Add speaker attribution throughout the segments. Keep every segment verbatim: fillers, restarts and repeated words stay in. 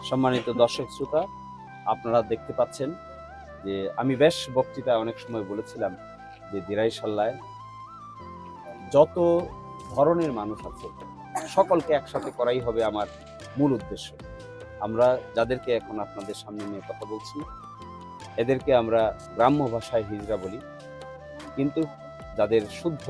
Speaker 1: সম্মানিত দর্শক শ্রোতা, আপনারা দেখতে পাচ্ছেন যে আমি বেশ বক্তৃতায় অনেক সময় বলেছিলাম যে দিরাইশাল্লায় যত ধরনের মানুষ আছে সকলকে একসাথে করাই হবে আমার মূল উদ্দেশ্য। আমরা যাদেরকে এখন আপনাদের সামনে নিয়ে কথা বলছি এদেরকে আমরা গ্রাম্য ভাষায় হিজড়া বলি, কিন্তু যাদের শুদ্ধ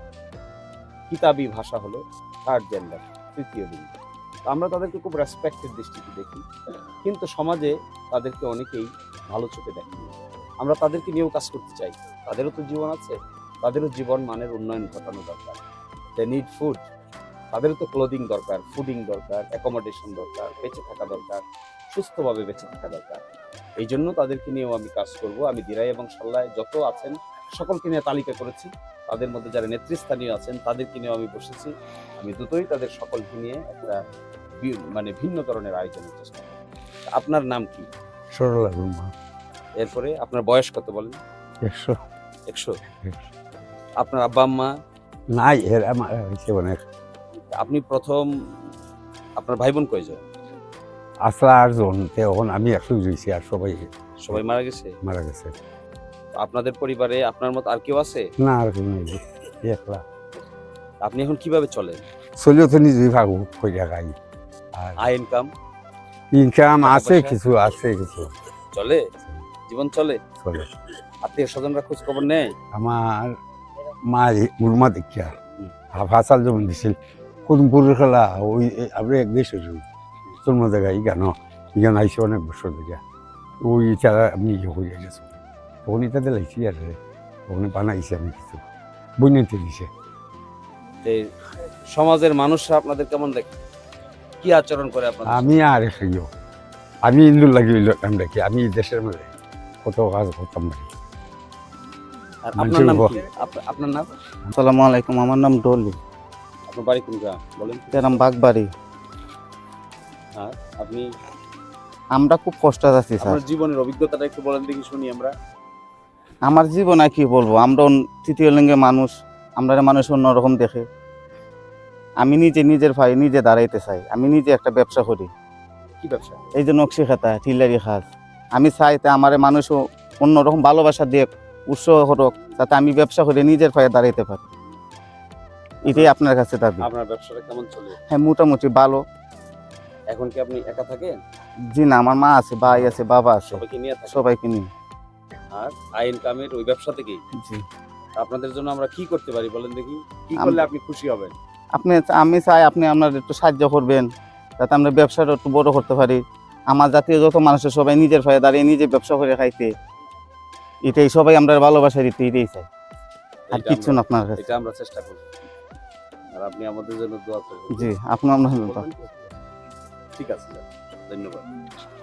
Speaker 1: কিতাবি ভাষা হলো থার্ড জেন্ডার, তৃতীয় লিঙ্গ। আমরা তাদেরকে খুব রেসপেক্টের দৃষ্টিতে দেখি, কিন্তু সমাজে তাদেরকে অনেকেই ভালো চোখে দেখি। আমরা তাদেরকে নিয়েও কাজ করতে চাই, তাদেরও তো জীবন আছে, তাদেরও জীবন মানের উন্নয়ন ঘটানো দরকার। দে নিড ফুড, তাদেরও তো ক্লোদিং দরকার, ফুডিং দরকার, অ্যাকোমোডেশন দরকার, বেঁচে থাকা দরকার, সুস্থভাবে বেঁচে থাকা দরকার। এই জন্য তাদেরকে নিয়েও আমি কাজ করব। আমি দিরাই এবং সাল্লায় যত আছেন সকলকে নিয়ে তালিকা করেছি, তাদের মধ্যে যারা নেতৃস্থানীয় আছেন তাদেরকে নিয়েও আমি বসেছি। আমি দুটোই তাদের সকলকে নিয়ে একটা মানে ভিন্ন ধরনের আয়োজনের চেষ্টা করি। আপনার নাম কি?
Speaker 2: সরলা রুমা।
Speaker 1: এরপরে আপনার বয়স কত বলেন?
Speaker 2: একশো।
Speaker 1: একশো। আপনার আব্বা আম্মা?
Speaker 2: নাই, এর আমার হয়েছে অনেক।
Speaker 1: আপনি প্রথম, আপনার ভাই বোন কয়জন?
Speaker 2: আসলা আর জন, তখন আমি একশো জুইছি, আর সবাই
Speaker 1: সবাই মারা গেছে?
Speaker 2: মারা গেছে।
Speaker 1: আপনাদের পরিবারে আপনার মতো আর কেউ আছে?
Speaker 2: না, আর কেউ নাই, একলা।
Speaker 1: আপনি এখন কিভাবে চলেন?
Speaker 2: চলিও তো নিজেই ভাগু কইরা খাই। আর
Speaker 1: আয় ইনকাম?
Speaker 2: ইনকাম
Speaker 1: টাকা
Speaker 2: আছে,
Speaker 1: পয়সা?
Speaker 2: কিছু আছে, কিছু
Speaker 1: চলে, জীবন চলে।
Speaker 2: চলে।
Speaker 1: আত্মীয় স্বজনরা খোঁজ খবর নেয়?
Speaker 2: আমার মা মুরমা দেখিয়া
Speaker 1: হুম।
Speaker 2: হাফাসাল যেমন দিছিল কুদমপুরের খেলা, ওই আমরা এক দেশ জন্ম জায়গা ইগান ইগান আইসি অনেক বছর দেখিয়া ওই ছাড়া আমি ইয়ে হয়ে গেছি। তখন ইটাতে লাইছি আর ওখানে বানাইছি আমি কিছু বইনাইতে দিছে।
Speaker 1: এই সমাজের মানুষরা আপনাদের কেমন দেখে, কি আচরণ করে আপনাদের?
Speaker 2: আমি আর খাইও আমি ইন্দুর লাগি কাম দেখি, আমি দেশের মধ্যে কত কাজ করতাম পারি।
Speaker 1: আর আপনার নাম কি? আপ- আপনার নাম?
Speaker 3: আসসালামু আলাইকুম, আমার নাম ডলি,
Speaker 1: আপনার বাড়ি কোন গ্রাম বলেন?
Speaker 3: নাম বাগবাড়ি।
Speaker 1: হ্যাঁ, আপনি
Speaker 3: আমরা খুব কষ্ট আছি স্যার।
Speaker 1: আপনার জীবনের অভিজ্ঞতাটা একটু বলেন দেখি, শুনি আমরা।
Speaker 3: আমার জীবন আর কি বলবো, আমরা অন- তৃতীয় লিঙ্গের মানুষ, আমরা মানুষ অন্যরকম দেখে। আমি নিজে নিজের ভাই নিজে দাঁড়াইতে চাই, আমি নিজে একটা ব্যবসা করি,
Speaker 1: কি ব্যবসা?
Speaker 3: এই যে নকশি খাতা টিলারি খাস। আমি চাই তা আমার মানুষও অন্যরকম ভালোবাসা দিয়ে উৎসাহ হোক, যাতে আমি ব্যবসা করে নিজের পায়ে দাঁড়াইতে পারি। এটাই আপনার কাছে দাবি।
Speaker 1: আপনার ব্যবসাটা কেমন চলে?
Speaker 3: হ্যাঁ, মোটামুটি ভালো।
Speaker 1: এখন কি আপনি একা থাকেন?
Speaker 3: জি না, আমার মা আছে, ভাই আছে, বাবা আছে,
Speaker 1: সবাইকে নিয়ে থাকেন?
Speaker 3: সবাইকে নিয়ে।
Speaker 1: আর আয় ইনকামের ওই ব্যবসা থেকেই
Speaker 3: জি,
Speaker 1: আপনাদের জন্য আমরা কি করতে পারি বলেন দেখি, কি করলে আপনি খুশি হবেন?
Speaker 3: আপনি আমি চাই আপনি আপনার একটু সাহায্য করবেন, যাতে আমরা ব্যবসাটা একটু বড় করতে পারি। আমার জাতীয় যত মানুষের সবাই নিজের পায়ে দাঁড়িয়ে নিজে ব্যবসা করে খাইতে, এটাই সবাই আমরা ভালোবাসা দিতে, এটাই চাই, আর
Speaker 1: এটা
Speaker 3: কিচ্ছু না
Speaker 1: আমরা-
Speaker 3: আপনার কাছে।
Speaker 1: এটা আমরা চেষ্টা করব, আর আপনি আমাদের জন্য দোয়া করবেন।
Speaker 3: জি, আপনি আমরা
Speaker 1: বলবেন? ঠিক আছে, ধন্যবাদ।